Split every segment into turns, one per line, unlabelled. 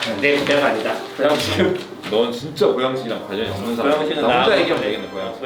내 부자가 아니다. 보양식은
넌 진짜 보양식이랑 관련이 없는 사람.
보양식은
나 혼자
나하고
얘기하면 되겠네 보양식.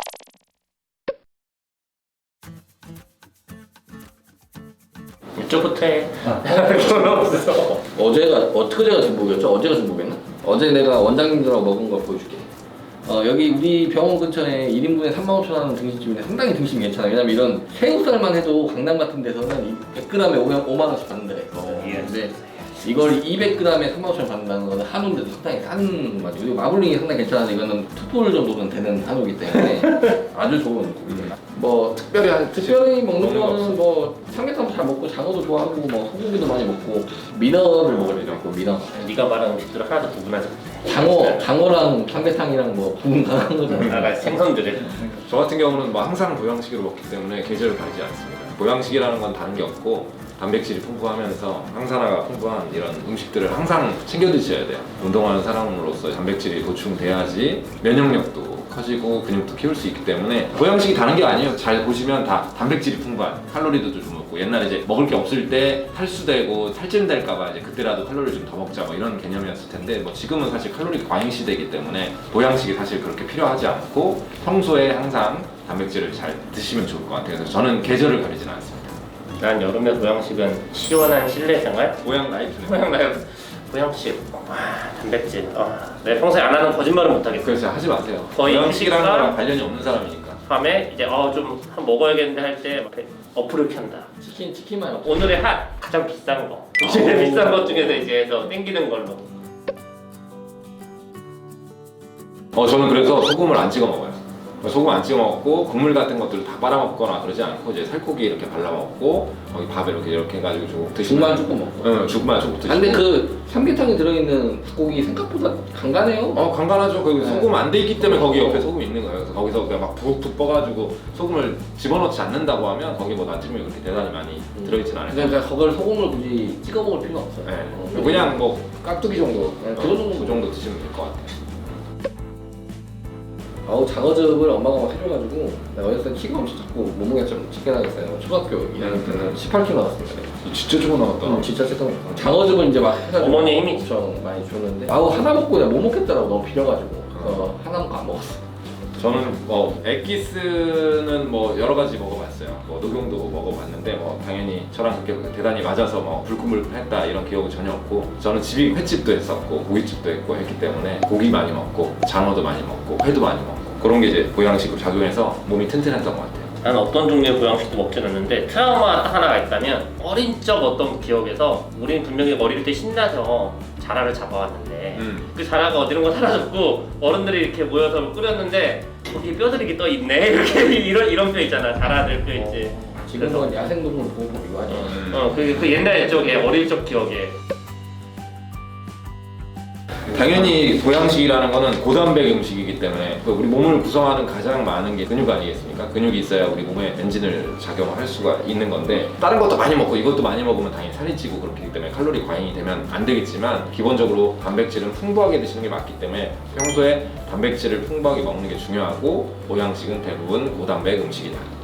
이쪽부터 해. 돈 없어.
어제가 중복이었죠? 어제가 중복이었나? 어제 내가 원장님들하고 먹은 거 보여줄게. 여기 우리 병원 근처에 1인분에 35,000원 등심집인데 상당히 등심이 괜찮아요. 왜냐면 이런 새우살만 해도 강남 같은 데서는 100g에 5만원씩 받는데 근데 이걸 200g에 35,000원 받는다는 거는 한우인데도 상당히 싼 맛이고, 그리고 마블링이 상당히 괜찮은데 이거는 투볼 정도는 되는 한우이기 때문에 아주 좋은 고기입니다. 뭐 특별히 먹는 거는 뭐 삼계탕도 잘 먹고 장어도 좋아하고 뭐 소고기도 많이 먹고 민어를 먹을 일 있고 민어.
네가 말한 음식들은 하나도 구분하지 못해.
장어랑 삼계탕이랑 뭐 구분 가능한 거잖아.
나가 생선들을.
저 같은 경우는 뭐 항상 보양식으로 먹기 때문에 계절을 가리지 않습니다. 보양식이라는 건 다른 게 없고 단백질이 풍부하면서 항산화가 풍부한 이런 음식들을 항상 챙겨 드셔야 돼요. 운동하는 사람으로서 단백질이 보충돼야지 면역력도 커지고 근육도 키울 수 있기 때문에 보양식이 다른 게 아니에요. 잘 보시면 다 단백질이 풍부한, 칼로리도 좀 높고, 옛날에 이제 먹을 게 없을 때 탈수되고 탈진될까봐 이제 그때라도 칼로리 좀 더 먹자 뭐 이런 개념이었을 텐데, 뭐 지금은 사실 칼로리 과잉 시대이기 때문에 보양식이 사실 그렇게 필요하지 않고 평소에 항상 단백질을 잘 드시면 좋을 것 같아요. 그래서 저는 계절을 가리지는 않습니다.
난 여름에 보양식은 시원한 실내 생활.
보양 라이프네.
보양식. 단백질. 내가 평소에 안 하는 거짓말은 못 하겠어.
그래서 하지 마세요.
거의
보양식이라는
식사?
거랑 관련이 없는 사람이니까.
밤에 이제 좀 한 먹어야겠는데 할 때 어플을 켠다.
치킨만 없어.
오늘의 가장 비싼 거. 제일 비싼 것 중에서 이제 해서 땡기는 걸로.
저는 그래서 소금을 안 찍어 먹어요. 소금 안 찍어 먹고 국물 같은 것들 다 빨아 먹거나 그러지 않고 이제 살코기 이렇게 발라 먹고 거기 밥에 이렇게 해가지고 쭉 드시면.
죽만 조금 먹고.
응, 죽만 조금 드시고.
근데 그 삼계탕에 들어있는 닭고기 생각보다 간간해요.
간간하죠. 거기
네.
소금 안 돼 있기 때문에 거기 옆에 소금이 있는 거예요. 그래서 거기서 그냥 막 푹푹 뻐가지고 소금을 집어넣지 않는다고 하면 거기 뭐 나트륨이 그렇게 대단히 많이 들어있진 않아요.
그러니까 그걸 소금을 굳이 찍어 먹을 필요가 없어요.
네. 그냥 뭐 깍두기 정도,
네,
그 정도 드시면 될 것 같아요.
장어즙을 엄마가 막 해줘가지고 내가 어렸을 때 키가 엄청 작고 몸무게가 좀 작게 나겠어요. 초등학교 2학년 때는 18kg 나왔습니다.
진짜 조금 나왔다.
진짜 쨌던 장어즙을 이제 막 해가지고
어머니의 힘이
엄청 많이 줬는데 하나 먹고 그냥 못 먹겠더라고. 너무 비려가지고 하나 먹고 안 먹었어.
저는 엑기스는 여러 가지 먹어봤어요. 녹용도 먹어봤는데 당연히 저랑 그렇게 대단히 맞아서 불끈불끈했다 이런 기억은 전혀 없고, 저는 집이 횟집도 했었고 고깃집도 했고 했기 때문에 고기 많이 먹고 장어도 많이 먹고 회도 많이 먹고 그런 게 이제 보양식으로 작용해서 몸이 튼튼했던 것 같아요.
난 어떤 종류의 보양식도 먹진 않는데 트라우마 딱 하나가 있다면, 어린 적 어떤 기억에서 우리는 분명히 어릴 때 신나서 자라를 잡아왔는데 그 자라가 어디론가 사라졌고 어른들이 이렇게 모여서 끓였는데 거기 뼈들이 떠 있네 이렇게 이런 뼈 있잖아. 자라들 뼈 있지.
지금은 야생동물 보호법 이거 아니야.
그 옛날 쪽에 어릴 적 기억에.
당연히 보양식이라는 거는 고단백 음식이기 때문에 우리 몸을 구성하는 가장 많은 게 근육 아니겠습니까? 근육이 있어야 우리 몸에 엔진을 작용할 수가 있는 건데, 다른 것도 많이 먹고 이것도 많이 먹으면 당연히 살이 찌고 그렇기 때문에 칼로리 과잉이 되면 안 되겠지만, 기본적으로 단백질은 풍부하게 드시는 게 맞기 때문에 평소에 단백질을 풍부하게 먹는 게 중요하고 보양식은 대부분 고단백 음식이다.